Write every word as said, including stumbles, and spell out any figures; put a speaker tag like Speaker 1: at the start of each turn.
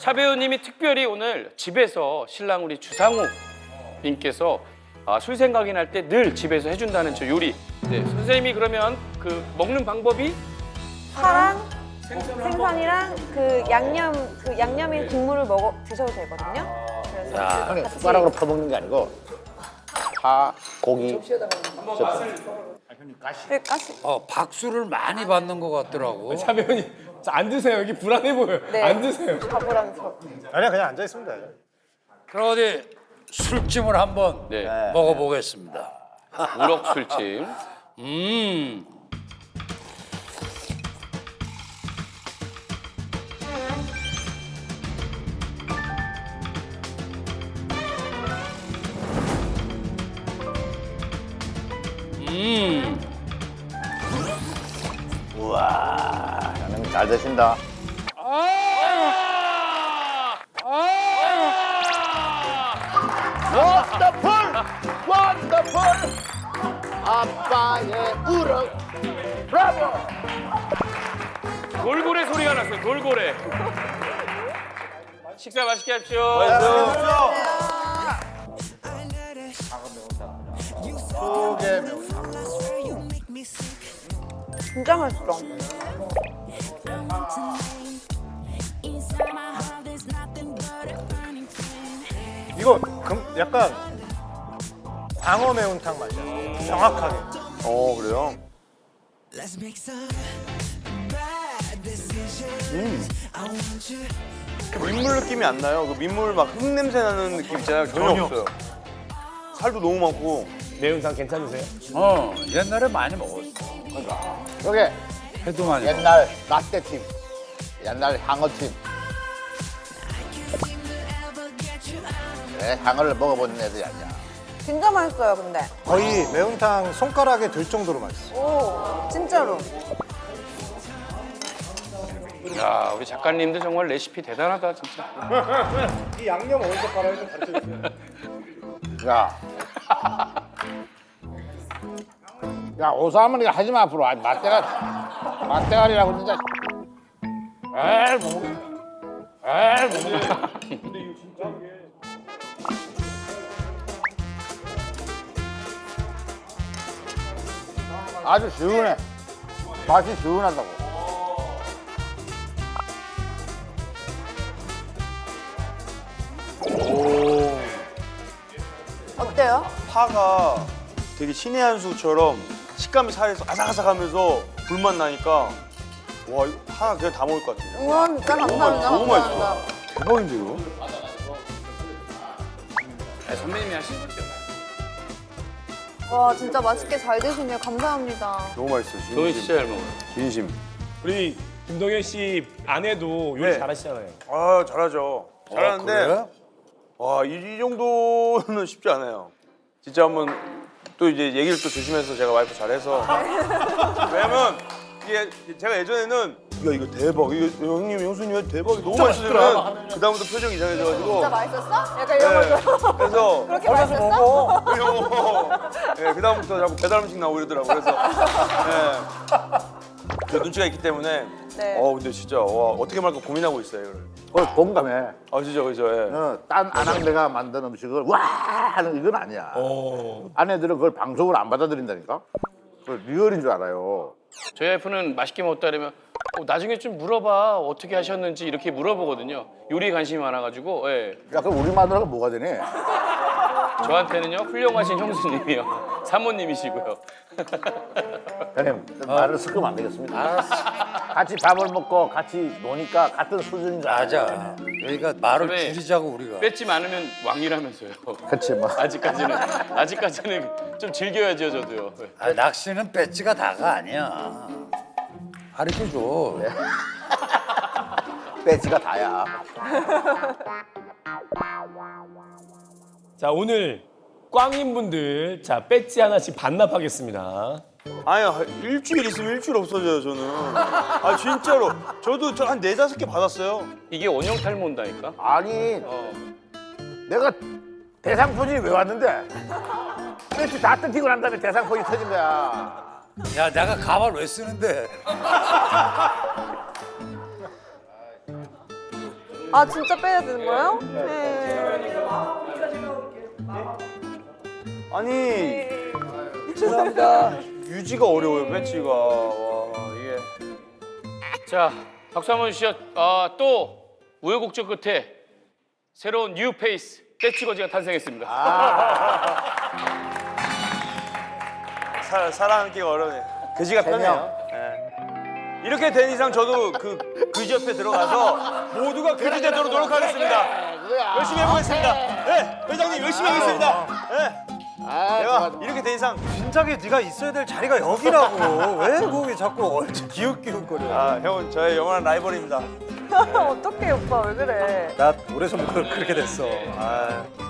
Speaker 1: 차 배우님이 특별히 오늘 집에서 신랑 우리 주상우 님께서 아, 술 생각이 날 때 늘 집에서 해준다는 저 요리. 네, 선생님이 그러면 그 먹는 방법이
Speaker 2: 파랑 생선이랑 그 양념 그 양념인 국물을 먹어 드셔도 되거든요. 그래서
Speaker 3: 형님
Speaker 2: 같이
Speaker 3: 숟가락으로 퍼먹는 게 아니고 파, 고기.
Speaker 2: 그 가시.
Speaker 4: 어, 박수를 많이 받는 것 같더라고.
Speaker 5: 차 배우님 자, 앉으세요. 여기 불안해 보여요.
Speaker 2: 네.
Speaker 5: 앉으세요.
Speaker 2: 가보라면서.
Speaker 6: 아니야 그냥 앉아 있으면 돼.
Speaker 4: 그럼 어디 술찜을 한번
Speaker 1: 네,
Speaker 4: 먹어보겠습니다.
Speaker 1: 우럭 술찜.
Speaker 4: 음. 음.
Speaker 3: 우와, 형님 잘 드신다. 원더풀! 원더풀! 아빠의 우럭! 브라보!
Speaker 1: 돌고래 소리가 났어요. 돌고래. 식사 맛있게 하십시오.
Speaker 3: 속에 매운탕.
Speaker 2: 진짜 맛있어.
Speaker 6: 이거 금, 약간 광어 매운탕 맛이야. 정확하게.
Speaker 7: 어 그래요? 음. 그 민물 느낌이 안 나요. 그 민물 막 흙냄새 나는 느낌 있잖아요. 전혀,
Speaker 6: 전혀.
Speaker 7: 없어요. 살도 너무 많고.
Speaker 5: 매운탕 괜찮으세요?
Speaker 4: 어, 옛날에 많이 먹었어.
Speaker 3: 저게
Speaker 4: 해도 많이 먹었어.
Speaker 3: 옛날 라떼팀, 옛날 향어팀. 네, 향어를 먹어본 애들이 아니야.
Speaker 2: 진짜 맛있어요, 근데.
Speaker 6: 거의 매운탕 손가락에 들 정도로 맛있어.
Speaker 2: 오, 진짜로.
Speaker 1: 야, 우리 작가님들 정말 레시피 대단하다 진짜.
Speaker 6: 이 양념 어디서 팔아요? 좀 가르쳐주세요.
Speaker 3: 야. 야, 오사할머니가 하지 마, 앞으로. 아니, 맛대가, 맛대가리라고 진짜. 에이, 뭐. 에이, 뭐. 아주 시원해. 맛이 시원하다고.
Speaker 2: 어때요?
Speaker 7: 파가 되게 신의 한 수처럼 식감이 살에서 아삭아삭하면서 불맛 나니까 와 이거 하나 그냥 다 먹을 것 같아요.
Speaker 2: 우와, 진짜 감사합니다.
Speaker 7: 너무 맛있어.
Speaker 2: 감사합니다.
Speaker 7: 대박인데 이거?
Speaker 1: 아, 선배님이 하신 거죠.
Speaker 2: 와, 진짜 맛있게 잘 드시네요. 감사합니다.
Speaker 7: 너무 맛있어요. 진심.
Speaker 1: 도희 진짜 잘 먹어요.
Speaker 7: 진심.
Speaker 5: 우리 김동현 씨 아내도 요리
Speaker 7: 네.
Speaker 5: 잘하시잖아요.
Speaker 7: 아 잘하죠. 잘하는데
Speaker 4: 그래?
Speaker 7: 와 이 정도는 쉽지 않아요. 진짜 한번 또 이제 얘기를 또 조심해서 제가 와이프 잘해서 왜냐면 이게 제가 예전에는 야 이거 대박 이거 형님 형수님 대박이 너무 맛있으면 그 다음부터 표정이 이상해져가지고
Speaker 2: 진짜 맛있었어? 약간 이런 거죠.
Speaker 7: 그래서
Speaker 2: 그렇게 맛있었어?
Speaker 7: 예, 그 다음부터 자꾸 배달 음식 나오고 이러더라고 그래서 예. 저 눈치가 있기 때문에
Speaker 2: 네.
Speaker 7: 어 근데 진짜 와 어떻게 말까 고민하고 있어요 이거를.
Speaker 3: 그걸 공감해.
Speaker 7: 아 진짜 그죠 예.
Speaker 3: 어, 딴 아낙네가 만든 음식을 와 하는 이건 아니야.
Speaker 5: 오.
Speaker 3: 아내들은 그걸 방송으로 안 받아들인다니까. 그걸 리얼인 줄 알아요.
Speaker 1: 저희 와이프는 맛있게 먹었다 그러면 어, 나중에 좀 물어봐 어떻게 하셨는지 이렇게 물어보거든요. 요리에 관심이 많아가지고 예.
Speaker 3: 야, 그럼 우리 마누라가 뭐가 되니?
Speaker 1: 저한테는요 훌륭하신 형수님이요 사모님이시고요.
Speaker 3: 형님, 말을 섞으면 안 되겠습니다.
Speaker 4: 알았어.
Speaker 3: 같이 밥을 먹고 같이 노니까 같은 수준인 줄 알아요.
Speaker 4: 맞아. 여기가 말을
Speaker 1: 선배,
Speaker 4: 줄이자고 우리가.
Speaker 1: 뺏지 않으면 왕이라면서요.
Speaker 3: 그치, 뭐.
Speaker 1: 아직까지는 아직까지는 좀 즐겨야죠 저도요. 예.
Speaker 4: 아, 낚시는 배지가 다가 아니야. 가르쳐줘.
Speaker 3: 배지가 다야.
Speaker 5: 자, 오늘 꽝인분들 자 배지 하나씩 반납하겠습니다.
Speaker 7: 아니 일주일 있으면 일주일 없어져요 저는. 아 진짜로 저도 저 한 네다섯 개 받았어요.
Speaker 1: 이게 원형 탈모인다니까.
Speaker 3: 아니,
Speaker 1: 어.
Speaker 3: 내가 대상포진이 왜 왔는데? 배지 다 뜯기고 난 다음에 대상포진이 터진 거야.
Speaker 4: 야, 내가 가발 왜 쓰는데?
Speaker 2: 아 진짜 빼야 되는 거예요? 네.
Speaker 7: 아니 죄송합니다. 유지가 어려워요 배지가. 와 이게.
Speaker 1: 자, 박수 한번 주시죠. 아, 또 우여곡절 끝에 새로운 뉴 페이스 배지거지가 탄생했습니다.
Speaker 7: 사, 살아남기가 어려워요. 그지가 편해요. 예. 이렇게 된 이상 저도 그 그지 옆에 들어가서 모두가 그지 되도록 노력하겠습니다. 열심히 해보겠습니다. 네, 회장님 열심히 하겠습니다. 네. 내가 이렇게 된 이상
Speaker 6: 진작에 네가 있어야 될 자리가 여기라고. 왜 거기 자꾸 얼추 기웃기웃거려.
Speaker 7: 아 형은 저의 영원한 라이벌입니다.
Speaker 2: 어떡해 오빠 왜 그래?
Speaker 6: 나 오래전부터 그렇게 됐어. 아.